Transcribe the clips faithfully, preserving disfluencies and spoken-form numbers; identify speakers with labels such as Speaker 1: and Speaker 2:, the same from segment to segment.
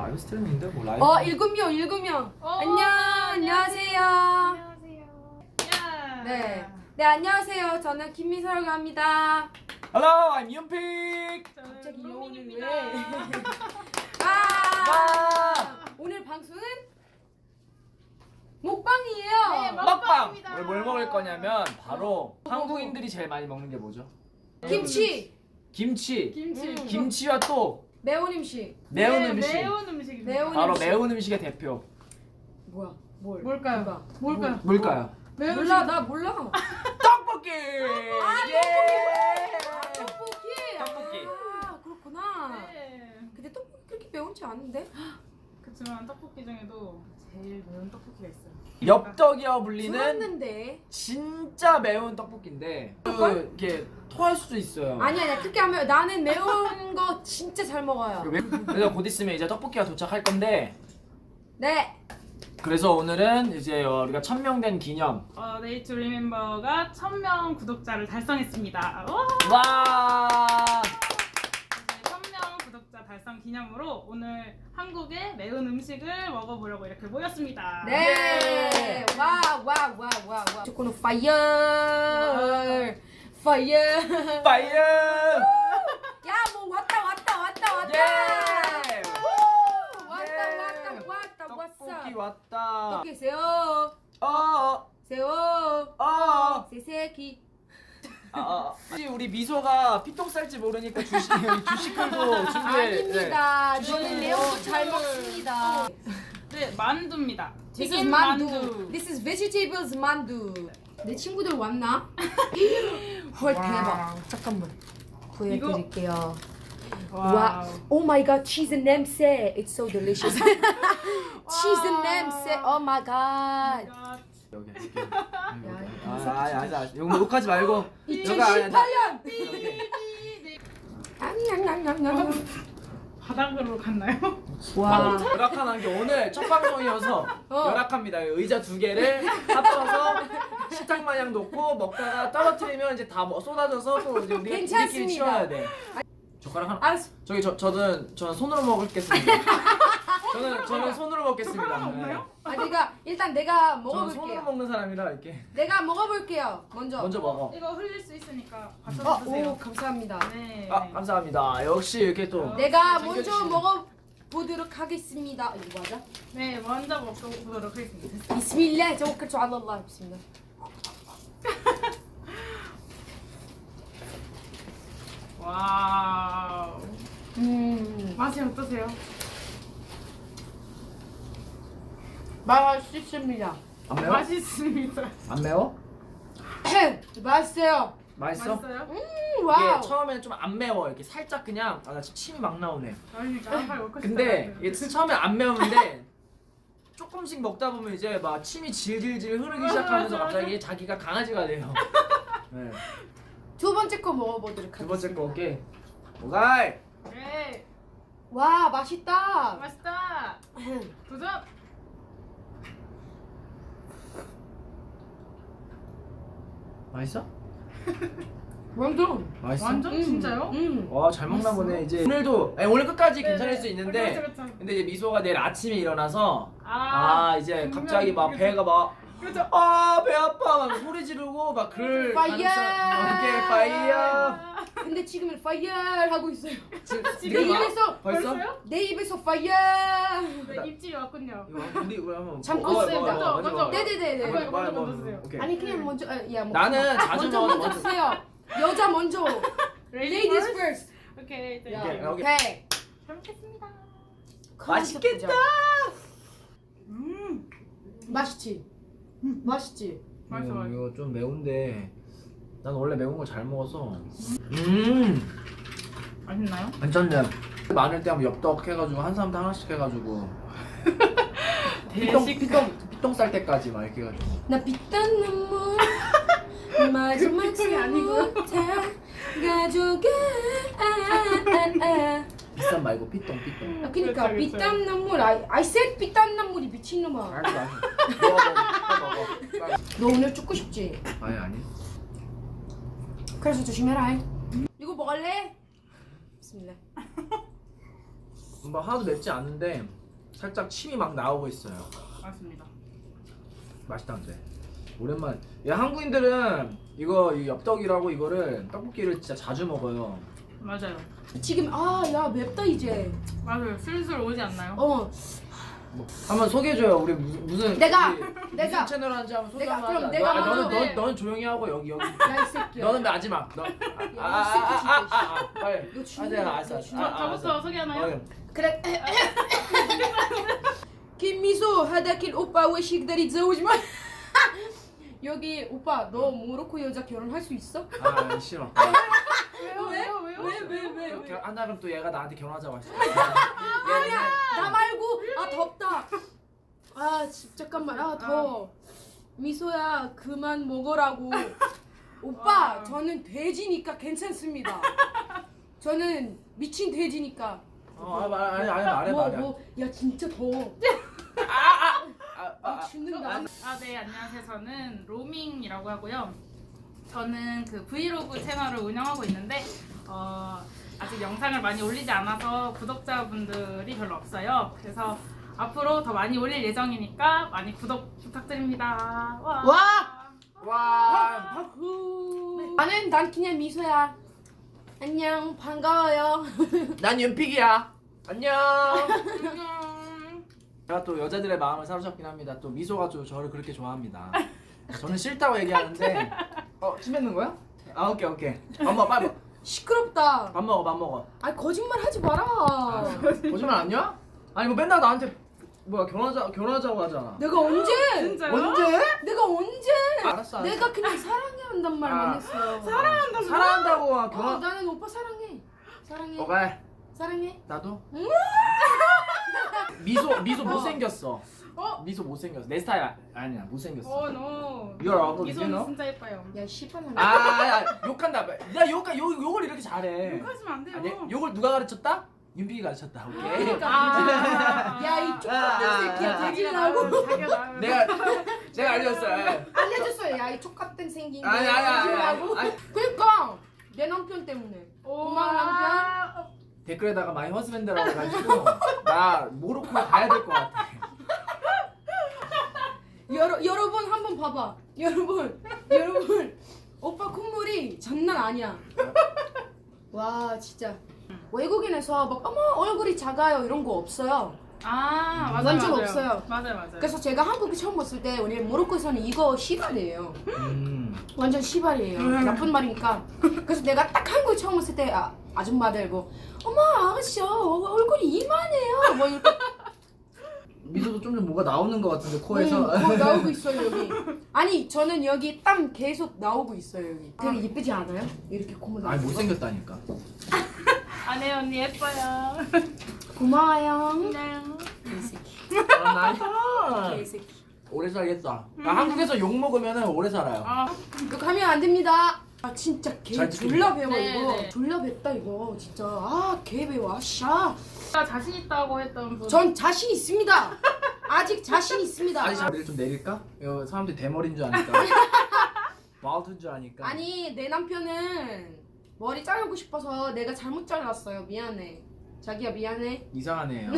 Speaker 1: 라이브 스트리밍인데 뭐 라이브.
Speaker 2: 어 일곱 명 일곱 명.
Speaker 3: 어,
Speaker 2: 안녕 안녕하세요.
Speaker 3: 안녕하세요. 야.
Speaker 2: 네. 네 안녕하세요. 저는 김미서라고 합니다.
Speaker 1: Hello, I'm 윤픽.
Speaker 2: 갑자기
Speaker 3: 저는
Speaker 2: 여운을
Speaker 3: 로민입니다.
Speaker 2: 왜?
Speaker 1: 와.
Speaker 2: 아 오늘 방송은 먹방이에요.
Speaker 3: 네,
Speaker 1: 먹방.
Speaker 3: 먹방입니다.
Speaker 1: 오늘 뭘 먹을 거냐면 바로 한국인들이 제일 많이 먹는 게 뭐죠?
Speaker 2: 김치,
Speaker 1: 김치.
Speaker 3: 김치.
Speaker 2: 음.
Speaker 1: 김치와 또
Speaker 2: 매운 음식.
Speaker 1: 매운
Speaker 3: 네,
Speaker 1: 음식.
Speaker 3: 매운 음식입니다.
Speaker 2: 매운
Speaker 1: 바로
Speaker 2: 음식.
Speaker 1: 매운 음식의 대표.
Speaker 2: 뭐야? 뭘?
Speaker 3: 뭘까요?
Speaker 2: 뭐가?
Speaker 3: 뭘까요?
Speaker 1: 뭘까요?
Speaker 3: 매운
Speaker 2: 몰라
Speaker 3: 음식.
Speaker 2: 나 몰라.
Speaker 1: 떡볶이.
Speaker 2: 아
Speaker 1: 예.
Speaker 2: 떡볶이.
Speaker 1: 떡볶이.
Speaker 2: 아 그렇구나.
Speaker 3: 네.
Speaker 2: 근데 떡볶이 그렇게 매운지 않은데?
Speaker 3: 그렇지만 떡볶이 중에도 제일 매운 떡볶이가 있어요.
Speaker 1: 엽떡이라 불리는
Speaker 2: 들었는데.
Speaker 1: 진짜 매운 떡볶이인데 그 이게 토할 수도 있어요.
Speaker 2: 아니 아니야 그렇게 하면 나는 매운 거 진짜 잘 먹어요.
Speaker 1: 그래서 곧 있으면 이제 떡볶이가 도착할 건데
Speaker 2: 네.
Speaker 1: 그래서 오늘은 이제 우리가 천 명 된 기념.
Speaker 3: 어, 네이 투 리멤버가 천 명 구독자를 달성했습니다. 와!
Speaker 1: 와.
Speaker 3: 천 명 구독자 달성 기념으로 오늘 한국의 매운 음식을 먹어보려고 이렇게 모였습니다.
Speaker 2: 네. 와 와 와 와 와. 조코노 파이어. 파이어.
Speaker 1: 파이어.
Speaker 2: 야 뭐 왔다 왔다 왔다 왔다.
Speaker 1: 예.
Speaker 2: 우! 왔다
Speaker 1: 예.
Speaker 2: 왔다 왔다
Speaker 1: 떡볶이
Speaker 2: 왔어.
Speaker 1: 왔다.
Speaker 2: 떡볶이 세요.
Speaker 1: 어.
Speaker 2: 세요.
Speaker 1: 어.
Speaker 2: 세세기.
Speaker 1: 아, 아, 혹시 우리 미소가 피똥 쌀지 모르니까 주식 주식 끌고 준비해.
Speaker 2: 아닙니다.
Speaker 1: 네.
Speaker 2: 저는
Speaker 1: 주식-
Speaker 2: 매운 거 잘 먹습니다.
Speaker 3: 네, 만두입니다.
Speaker 2: This is
Speaker 3: 튀김
Speaker 2: 만두. This is vegetables 만두. 내 친구들 왔나? 헐 대박. 잠깐만. 보여드릴게요. 와.
Speaker 3: 와.
Speaker 2: Oh my god, cheese 냄새. It's so delicious. cheese 냄새. Oh my god.
Speaker 1: 여기 여기. 아, 아, 아, 아, 이거 욕하지 말고.
Speaker 2: 이천십팔 년. 냠냠냠냠냠.
Speaker 3: 바닥으로 갔나요?
Speaker 2: 와.
Speaker 1: 열악한 게 오늘 첫 방송이어서
Speaker 2: 어.
Speaker 1: 열악합니다. 의자 두 개를 합쳐서 식탁 마냥 놓고 먹다가 떨어뜨리면 이제 다 뭐 쏟아져서 또 이제 우리
Speaker 2: 괜찮습니다.
Speaker 1: 우리끼리 치워야 돼. 젓가락 하나.
Speaker 2: 알았어.
Speaker 1: 저기 저 저는 저는 손으로 먹겠습니다. 저는 저는 손으로 먹겠습니다.
Speaker 3: 젓가락 없나요?
Speaker 2: 아 내가 일단 내가
Speaker 1: 저는 손으로
Speaker 2: 먹어볼게요.
Speaker 1: 먹는 사람이라 이렇게.
Speaker 2: 내가 먹어볼게요. 먼저.
Speaker 1: 먼저 먹어.
Speaker 3: 이거 흘릴 수 있으니까
Speaker 2: 어,
Speaker 3: 받쳐 드세요.
Speaker 2: 오 감사합니다.
Speaker 3: 네.
Speaker 1: 아 감사합니다. 역시 이렇게 또.
Speaker 2: 내가
Speaker 1: 챙겨주시네.
Speaker 2: 먼저 먹어보도록 하겠습니다. 이거 맞아?
Speaker 3: 네, 먼저 먹어보도록 하겠습니다.
Speaker 2: 비스밀라 توكلت على الله 비스밀라.
Speaker 3: 와우.
Speaker 2: 음
Speaker 3: 맛이 어떠세요?
Speaker 2: 맛있습니다.
Speaker 1: 안 매워?
Speaker 3: 맛있습니다.
Speaker 1: 안 매워?
Speaker 2: 맛있어요.
Speaker 1: 맛있어?
Speaker 3: 맛있어요?
Speaker 2: 음
Speaker 1: 이게
Speaker 2: 와우.
Speaker 1: 처음에는 좀 안 매워. 이렇게 살짝 그냥 아 나 지금 침이 막 나오네.
Speaker 3: 그러니까 한 발 먹고
Speaker 1: 근데
Speaker 3: 싶다.
Speaker 1: 이게 처음에 안 매우는데 조금씩 먹다 보면 이제 막 침이 질질질 흐르기 시작하면서 갑자기 자기가 강아지가 돼요. 네.
Speaker 2: 두 번째 거 먹어보도록
Speaker 1: 두
Speaker 2: 하겠습니다.
Speaker 1: 번째 거 오케이. 오가이.
Speaker 3: 네,
Speaker 2: 와 맛있다.
Speaker 3: 맛있다. 도전.
Speaker 1: 맛있어?
Speaker 2: 완전.
Speaker 1: 맛있어?
Speaker 3: 완전
Speaker 2: 음,
Speaker 3: 진짜요?
Speaker 2: 음.
Speaker 1: 와 잘 먹나 보네. 이제 오늘도 아니, 오늘 끝까지 괜찮을 수 있는데
Speaker 3: 그렇죠, 그렇죠.
Speaker 1: 근데 이제 미소가 내일 아침에 일어나서
Speaker 3: 아,
Speaker 1: 아, 이제
Speaker 3: 분명히
Speaker 1: 갑자기 막
Speaker 3: 그렇죠.
Speaker 1: 배가 막
Speaker 3: 그렇죠.
Speaker 1: 아, 배 아파 막 소리 지르고 막 그럴
Speaker 2: 파이어!
Speaker 1: 가능성- 오케이 파이어.
Speaker 2: 근데 지금은 파이어 하고 있어요.
Speaker 1: 지금
Speaker 2: 내
Speaker 1: 네가 막-
Speaker 2: 입에서
Speaker 1: 벌써?
Speaker 3: 벌써요?
Speaker 2: 내 입에서 파이어.
Speaker 3: 네, 입질이 왔군요.
Speaker 1: 이거 우리 우리 한번
Speaker 2: 참고
Speaker 1: 먹어,
Speaker 2: 있어요.
Speaker 1: 먹어,
Speaker 3: 먼저,
Speaker 1: 먹어,
Speaker 3: 먼저.
Speaker 1: 먹어.
Speaker 2: 네네네네.
Speaker 3: 이거, 이거 먼저
Speaker 1: 먹어,
Speaker 3: 먼저 드세요.
Speaker 1: 오케이.
Speaker 2: 아니 그냥 먼저 아, 야 뭐.
Speaker 1: 나는 자주
Speaker 2: 먼저
Speaker 1: 먹어,
Speaker 2: 먼저
Speaker 1: 먼저.
Speaker 2: 드세요. 여자 먼저.
Speaker 3: Ladies
Speaker 2: Ladies first.
Speaker 3: 오케이, 네.
Speaker 2: 야,
Speaker 1: 오케이, 오케이.
Speaker 2: 오케이.
Speaker 3: 잘 먹겠습니다.
Speaker 1: 맛있겠다.
Speaker 3: 음,
Speaker 2: 맛있지. 맛있지.
Speaker 3: 맛있어,
Speaker 1: 이거,
Speaker 3: 맛있어.
Speaker 1: 이거 좀 매운데 난 원래 매운 걸 잘 먹어서 음
Speaker 3: 맛있나요?
Speaker 1: 괜찮네. 많을 때 한번 엽떡 해가지고 한 사람당 하나씩 해가지고 피똥
Speaker 3: 대식.
Speaker 1: 피똥 피똥 쌀 때까지 막 이렇게 해가지고
Speaker 2: 나 빛단 눈물 마지막
Speaker 3: 그 피똥이 아니고.
Speaker 2: 가져가. 아, 아, 아.
Speaker 1: 비싼 말고 피똥 피똥.
Speaker 2: 아, 그니까
Speaker 3: 그렇죠, 그렇죠.
Speaker 2: 빛단 눈물. I, I said 빛단 눈물이 미친놈아.
Speaker 1: 알았어 알았어. 먹어 먹어 먹어. 빨리.
Speaker 2: 너 오늘 죽고 싶지?
Speaker 1: 아니 아니.
Speaker 2: 그래서 조심해라. 이거 먹을래? 비스밀라.
Speaker 1: 뭐 하나도 맵지 않은데 살짝 침이 막 나오고 있어요.
Speaker 3: 맞습니다.
Speaker 1: 맛있다 근데. 오랜만. 야 한국인들은 이거 이 엽떡이라고 이거를 떡볶이를 진짜 자주 먹어요.
Speaker 3: 맞아요.
Speaker 2: 지금 아 야 맵다 이제.
Speaker 3: 맞아요. 슬슬 오지 않나요?
Speaker 2: 어
Speaker 1: 뭐, 한번 소개해줘요. 우리 무슨 무슨
Speaker 2: 내가,
Speaker 1: 우리
Speaker 2: 내가.
Speaker 1: 무슨 채널 하는지 한번 소개
Speaker 2: 내가,
Speaker 1: 한번
Speaker 2: 그럼
Speaker 1: 하자.
Speaker 2: 내가
Speaker 1: 너, 아, 너는
Speaker 3: 먼저 해.
Speaker 1: 너, 너는 조용히 하고 여기 여기.
Speaker 2: 야 이 새끼야.
Speaker 1: 너는 마지막. 너.
Speaker 2: 야,
Speaker 1: 아아아아
Speaker 2: 이 새끼
Speaker 1: 아, 아, 아, 빨리.
Speaker 2: 이거
Speaker 1: 아,
Speaker 2: 중요해.
Speaker 1: 내가 알았어.
Speaker 2: 이거
Speaker 1: 알았어.
Speaker 2: 중요해.
Speaker 1: 아,
Speaker 3: 저, 저부터
Speaker 1: 알았어.
Speaker 3: 소개하나요?
Speaker 1: 어,
Speaker 2: 그래. 김미소 하다킬 오빠 왜 식다리 저오지 마. 여기 오빠 너 모로코 여자 결혼할 수 있어?
Speaker 1: 아 싫어.
Speaker 3: 왜요? 왜요? 왜요?
Speaker 2: 왜, 왜, 왜, 왜?
Speaker 1: 결- 한다면 또 얘가 나한테 결혼하자고 했어.
Speaker 2: 아니야 나 말고 아 덥다. 아 지- 잠깐만 아 더워. 미소야 그만 먹으라고. 오빠
Speaker 3: 와.
Speaker 2: 저는 돼지니까 괜찮습니다. 저는 미친 돼지니까.
Speaker 1: 어, 아, 말, 아니, 아니, 말해,
Speaker 2: 뭐,
Speaker 1: 말해.
Speaker 2: 뭐, 야 진짜 더워.
Speaker 1: 아,
Speaker 2: 아,
Speaker 1: 아,
Speaker 2: 죽는다.
Speaker 3: 아, 네, 안녕하세요. 저는 로밍이라고 하고요. 저는 그 브이로그 채널을 운영하고 있는데 어, 아직 영상을 많이 올리지 않아서 구독자분들이 별로 없어요. 그래서 앞으로 더 많이 올릴 예정이니까 많이 구독 부탁드립니다. 와!
Speaker 2: 와!
Speaker 1: 와.
Speaker 2: 아후. 나는 난 그냥 미소야. 안녕 반가워요.
Speaker 1: 난 윤픽이야. 안녕.
Speaker 3: 안녕.
Speaker 1: 제가 또 여자들의 마음을 사로잡긴 합니다. 또 미소가 또 저를 그렇게 좋아합니다. 저는 싫다고 얘기하는데 어, 침 뱉는 거야? 아, 오케이, 오케이. 밥 먹어, 빨리 먹어.
Speaker 2: 시끄럽다.
Speaker 1: 밥 먹어, 밥 먹어.
Speaker 2: 아니 거짓말 하지 마라.
Speaker 1: 거짓말 아니야? 아니 뭐 맨날 나한테 뭐야 결혼하자 결혼하자고 하잖아.
Speaker 2: 내가 언제?
Speaker 3: 진짜요?
Speaker 1: 언제?
Speaker 2: 내가 언제?
Speaker 1: 알았어. 알았어.
Speaker 2: 내가 그냥 사랑해 한단 말만
Speaker 1: 아.
Speaker 2: 했어.
Speaker 3: 사랑한다고?
Speaker 1: 사랑한다고
Speaker 2: 어,
Speaker 1: 결혼.
Speaker 2: 나는 오빠 사랑해. 사랑해.
Speaker 1: 오케이.
Speaker 2: 사랑해.
Speaker 1: 나도.
Speaker 2: 음.
Speaker 1: 미소 미소 못 생겼어.
Speaker 3: 어?
Speaker 1: 미소 못 생겼어. 내 스타일 아- 아니야 못 생겼어.
Speaker 3: 어, no.
Speaker 1: You're ugly,
Speaker 3: 미소는
Speaker 1: you know?
Speaker 3: 진짜 예뻐요.
Speaker 2: 야 씨발
Speaker 1: 아, 아, 아 욕한다. 야 욕, 욕 욕을 이렇게 잘해.
Speaker 3: 욕하시면 안 돼요.
Speaker 1: 아니 욕을 누가 가르쳤다? 윤빈이 가르쳤다. 오케이.
Speaker 3: 아.
Speaker 2: 야이 쪽같은
Speaker 1: 아,
Speaker 2: 새끼야
Speaker 1: 아,
Speaker 2: 돼지라고.
Speaker 3: 자기가 나오면
Speaker 1: 내가 제가 알렸어요.
Speaker 2: 알려줬어요. 야이 쪽같은 생긴
Speaker 1: 아니 아니 아니.
Speaker 2: 돼지라고.
Speaker 1: 아니.
Speaker 2: 그러니까 내 남편 때문에. 고마운 남편.
Speaker 1: 댓글에다가 마이 허스밴드라고 해가지고 나 모로코 가야 될 것 같아.
Speaker 2: 여러 여러분 한번 봐봐. 여러분 여러분 오빠 콧물이 장난 아니야. 와 진짜 외국인에서 막 어머 얼굴이 작아요 이런 거 없어요.
Speaker 3: 아, 맞아요.
Speaker 2: 완전
Speaker 3: 맞아요.
Speaker 2: 없어요.
Speaker 3: 맞아요, 맞아요.
Speaker 2: 그래서 제가 한국에 처음 왔을 때 우리 모로코에서는 이거 시발이에요.
Speaker 1: 음.
Speaker 2: 완전 시발이에요. 나쁜 말이니까. 그래서 내가 딱 한국에 처음 왔을 때 아, 아줌마들 뭐 어머 아가씨 어, 얼굴이 이만해요. 뭐 이렇게
Speaker 1: 미소도 좀 좀 뭐가 나오는 것 같은데 코에서.
Speaker 2: 응, 거 나오고 있어요 여기. 아니 저는 여기 땀 계속 나오고 있어요 여기. 되게 예쁘지 않아요? 이렇게 콧물
Speaker 1: 아니
Speaker 2: 나고.
Speaker 1: 못생겼다니까.
Speaker 3: 아내 언니 예뻐요.
Speaker 2: 고마워요.
Speaker 3: 네.
Speaker 2: 개새끼.
Speaker 1: 아, 나이스.
Speaker 2: 개새끼.
Speaker 1: 오래 살겠다. 나 한국에서 욕 먹으면 오래 살아요.
Speaker 3: 아,
Speaker 2: 이거 가면 안 됩니다. 아 진짜 개
Speaker 1: 잘 듣겠네.
Speaker 2: 졸라 배워
Speaker 3: 네,
Speaker 2: 이거.
Speaker 3: 네.
Speaker 2: 졸라 뱉다 이거 진짜. 아개 배워. 샤.
Speaker 3: 제가 자신 있다고 했던 분.
Speaker 2: 전 자신 있습니다. 아직 자신 있습니다.
Speaker 1: 아니 자리를 좀 내릴까? 이거 사람들이 대머리인 줄 아니까. 마우트인 줄 아니까.
Speaker 2: 아니 내 남편은 머리 자르고 싶어서 내가 잘못 잘랐어요. 미안해. 자기야 미안해.
Speaker 1: 이상하네요.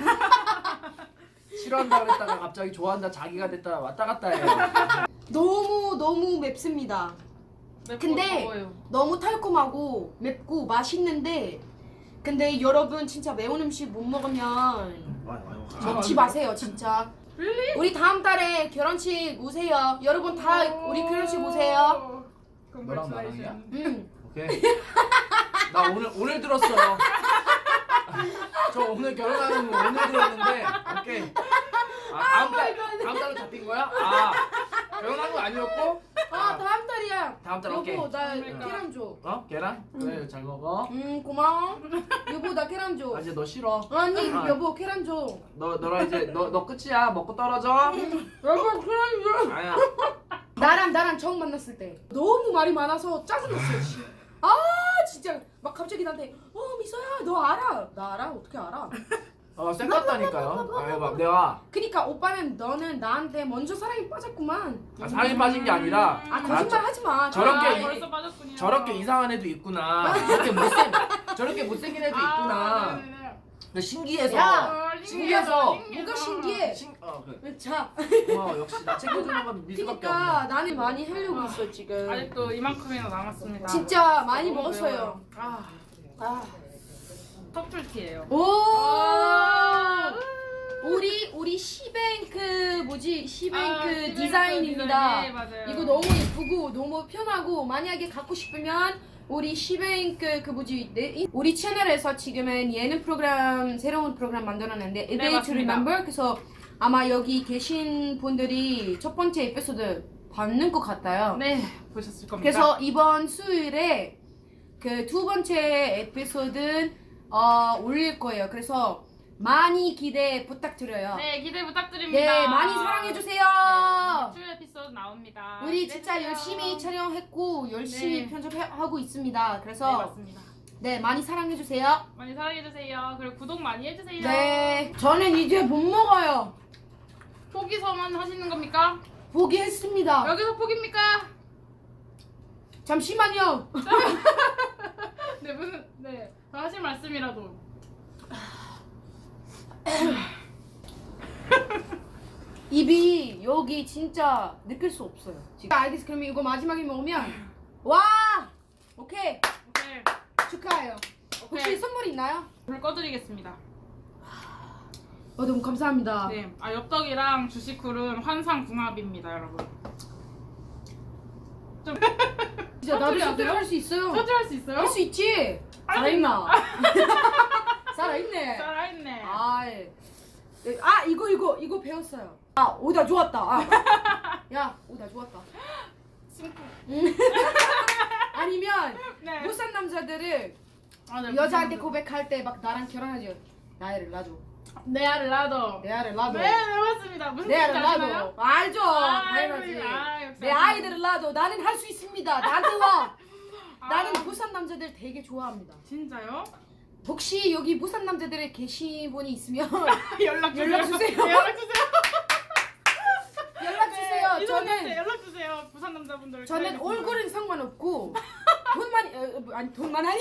Speaker 1: 싫어한다 그랬다가 갑자기 좋아한다 자기가 됐다 왔다 갔다 해요.
Speaker 2: 너무 너무 맵습니다.
Speaker 3: 맵고
Speaker 2: 근데
Speaker 3: 더워요.
Speaker 2: 너무 달콤하고 맵고 맛있는데 근데 여러분 진짜 매운 음식 못 먹으면
Speaker 1: 와요, 와요.
Speaker 2: 먹지 마세요 진짜. 우리 다음 달에 결혼식 오세요. 여러분 다 우리 결혼식 오세요.
Speaker 1: 너랑 나랑이야?
Speaker 2: 음.
Speaker 1: 오케이. 나 오늘 오늘 들었어. 저 오늘 결혼하는 거 오늘 들었는데 오케이. 아 다음 달 다음 달로 잡힌 거야? 아 결혼한 거 아니었고?
Speaker 2: 아 다음 달이야.
Speaker 1: 다음 달
Speaker 2: 여보
Speaker 1: 오케이.
Speaker 2: 나
Speaker 3: 그러니까.
Speaker 2: 계란 줘.
Speaker 1: 어 계란? 그래 잘 먹어.
Speaker 2: 음 고마워. 여보 나 계란 줘.
Speaker 1: 아 이제 너 싫어.
Speaker 2: 아니
Speaker 1: 아.
Speaker 2: 여보 계란 줘.
Speaker 1: 너 너랑 이제 너 너 끝이야. 먹고 떨어져.
Speaker 2: 여보 계란 줘.
Speaker 1: 아야.
Speaker 2: 나랑 나랑 처음 만났을 때 너무 말이 많아서 짜증났어요. 씨. 아 진짜 막 갑자기 나한테 어 미소야 너 알아? 나 알아? 어떻게 알아?
Speaker 1: 어 쌩깠다니까요. 아유 막 내가
Speaker 2: 그니까 오빠는 너는 나한테 먼저 사랑에 빠졌구만.
Speaker 1: 아, 사랑에 빠진 게 아니라
Speaker 2: 아
Speaker 1: 나
Speaker 2: 거짓말 하지 마.
Speaker 1: 저렇게
Speaker 3: 아,
Speaker 1: 이-
Speaker 3: 벌써 빠졌군요.
Speaker 1: 저렇게 이상한 애도 있구나. 저렇게 못생 저렇게 못생긴 애도 있구나.
Speaker 3: 아, 네네네.
Speaker 1: 그 신기해서
Speaker 2: 야!
Speaker 3: 어,
Speaker 1: 신기해서.
Speaker 2: 뭐가 신기해?
Speaker 1: 신, 어, 그래.
Speaker 2: 자,
Speaker 1: 와 역시 나 챙겨주는 건 미수밖에
Speaker 2: 그러니까
Speaker 1: 없네.
Speaker 2: 나는 많이 하려고 있어 지금.
Speaker 3: 아직도 이만큼이나 남았습니다.
Speaker 2: 진짜 많이
Speaker 3: 너무
Speaker 2: 먹었어요.
Speaker 3: 매워요. 아,
Speaker 2: 아.
Speaker 3: 터플티예요.
Speaker 2: 오.
Speaker 3: 아.
Speaker 2: 우리 우리 시뱅크 뭐지 시뱅크
Speaker 3: 아, 시뱅크
Speaker 2: 디자인입니다.
Speaker 3: 디자인, 네, 맞아요.
Speaker 2: 이거 너무 예쁘고 너무 편하고 만약에 갖고 싶으면 우리 시뱅크 그 뭐지 네, 이- 우리 채널에서 지금은 예능 프로그램 새로운 프로그램 만들었는데 A Day to
Speaker 3: 맞습니다.
Speaker 2: Remember 그래서 아마 여기 계신 분들이 첫 번째 에피소드 받는 것 같아요.
Speaker 3: 네, 보셨을 겁니다.
Speaker 2: 그래서 이번 수요일에 그 두 번째 에피소드 어, 올릴 거예요. 그래서 많이 기대 부탁드려요.
Speaker 3: 네, 기대 부탁드립니다.
Speaker 2: 네, 많이 사랑해 주세요.
Speaker 3: 네, 주 에피소드 나옵니다.
Speaker 2: 우리
Speaker 3: 기대해
Speaker 2: 진짜
Speaker 3: 주세요.
Speaker 2: 열심히 촬영했고 열심히
Speaker 3: 네.
Speaker 2: 편집하고 있습니다.
Speaker 3: 네,
Speaker 2: 그래서
Speaker 3: 맞습니다.
Speaker 2: 네, 많이 사랑해 주세요.
Speaker 3: 많이 사랑해 주세요. 그리고 구독 많이 해주세요.
Speaker 2: 네, 저는 이제 못 먹어요.
Speaker 3: 포기서만 하시는 겁니까?
Speaker 2: 포기했습니다.
Speaker 3: 여기서 포기입니까?
Speaker 2: 잠시만요.
Speaker 3: 네, 무슨 네, 더 하실 말씀이라도.
Speaker 2: 입이 여기 진짜 느낄 수 없어요. 지금. 알겠어. 그러면 이거 마지막에 먹으면 와, 오케이
Speaker 3: 오케이,
Speaker 2: 축하해요. 혹시
Speaker 3: 오케이.
Speaker 2: 선물 있나요?
Speaker 3: 불 꺼드리겠습니다.
Speaker 2: 어, 너무 감사합니다.
Speaker 3: 네, 아 엽떡이랑 주식쿨은 환상궁합입니다, 여러분. 좀
Speaker 2: 진짜 나도
Speaker 3: 선물이 안
Speaker 2: 선택
Speaker 3: 돼요?
Speaker 2: 할수 있어요.
Speaker 3: 터질할 수 있어요?
Speaker 2: 할 수 있지.
Speaker 3: 할 수
Speaker 2: 살아있나? 살아있네.
Speaker 3: 살아있네.
Speaker 2: 아, 예. 아 이거 이거 이거 배웠어요. 아 오다 좋았다. 아. 야 오다 좋았다.
Speaker 3: 심쿵.
Speaker 2: 아니면
Speaker 3: 네.
Speaker 2: 부산 남자들을
Speaker 3: 아, 네,
Speaker 2: 여자한테
Speaker 3: 무슨-
Speaker 2: 고백할 때 막 나랑 결혼하지. 나이를 놔줘.
Speaker 3: 내 알을 놔둬.
Speaker 2: 내 아를 놔줘.
Speaker 3: 네, 네 맞습니다. 무슨
Speaker 2: 내
Speaker 3: 뜻인지
Speaker 2: 아를
Speaker 3: 아시나요?
Speaker 2: 놔줘. 알죠.
Speaker 3: 아,
Speaker 2: 당연하지.
Speaker 3: 아, 역시
Speaker 2: 내
Speaker 3: 아시네요.
Speaker 2: 아이들을 놔줘. 나는 할 수 있습니다. 나한테 와.
Speaker 3: 아,
Speaker 2: 나는 부산 남자들 되게 좋아합니다.
Speaker 3: 진짜요?
Speaker 2: 혹시 여기 부산 남자들에 계신 분이 있으면
Speaker 3: 연락 주세요.
Speaker 2: 연락 주세요.
Speaker 3: 네, 연락 주세요.
Speaker 2: 연락 주세요.
Speaker 3: 네, 이성님한테
Speaker 2: 저는
Speaker 3: 연락 주세요. 부산 남자분들.
Speaker 2: 저는
Speaker 3: 기다리고
Speaker 2: 얼굴은 상관없고 돈만 어, 뭐, 아니 돈만 아니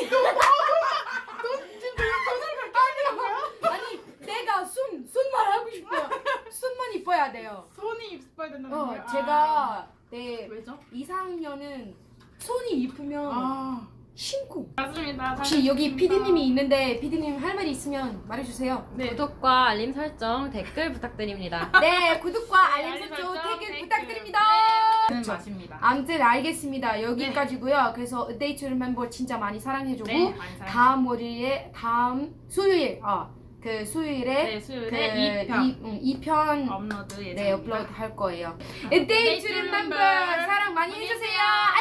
Speaker 2: 아니 내가 순 순만 하고 싶어요. 순만 이뻐야 돼요.
Speaker 3: 손이 이뻐야 된다는
Speaker 2: 어
Speaker 3: 거예요.
Speaker 2: 제가 내
Speaker 3: 아, 왜죠?
Speaker 2: 이상년은 손이 이쁘면
Speaker 3: 아,
Speaker 2: 신고.
Speaker 3: 맞습니다.
Speaker 2: 혹시 여기
Speaker 3: 잘했습니다.
Speaker 2: 피디님이 있는데 피디님 할 말이 있으면 말해주세요.
Speaker 3: 네.
Speaker 4: 구독과 알림 설정, 댓글 부탁드립니다.
Speaker 2: 네 구독과 알림
Speaker 3: 알림
Speaker 2: 설정
Speaker 3: 설정,
Speaker 2: 댓글
Speaker 3: 댓글.
Speaker 2: 부탁드립니다.
Speaker 3: 네, 맛입니다.
Speaker 2: 아무튼 알겠습니다. 여기까지고요. 그래서 A Day to Remember 진짜 많이 사랑해주고
Speaker 3: 네, 많이 사랑해.
Speaker 2: 다음 월요일에 다음 수요일 아그 수요일에
Speaker 3: 네, 수요일에
Speaker 2: 그
Speaker 3: 이 편
Speaker 2: 이, 응, 이 편
Speaker 3: 업로드 예정입니다.
Speaker 2: 네 업로드 할 거예요. A Day to Remember 사랑 많이 해주세요.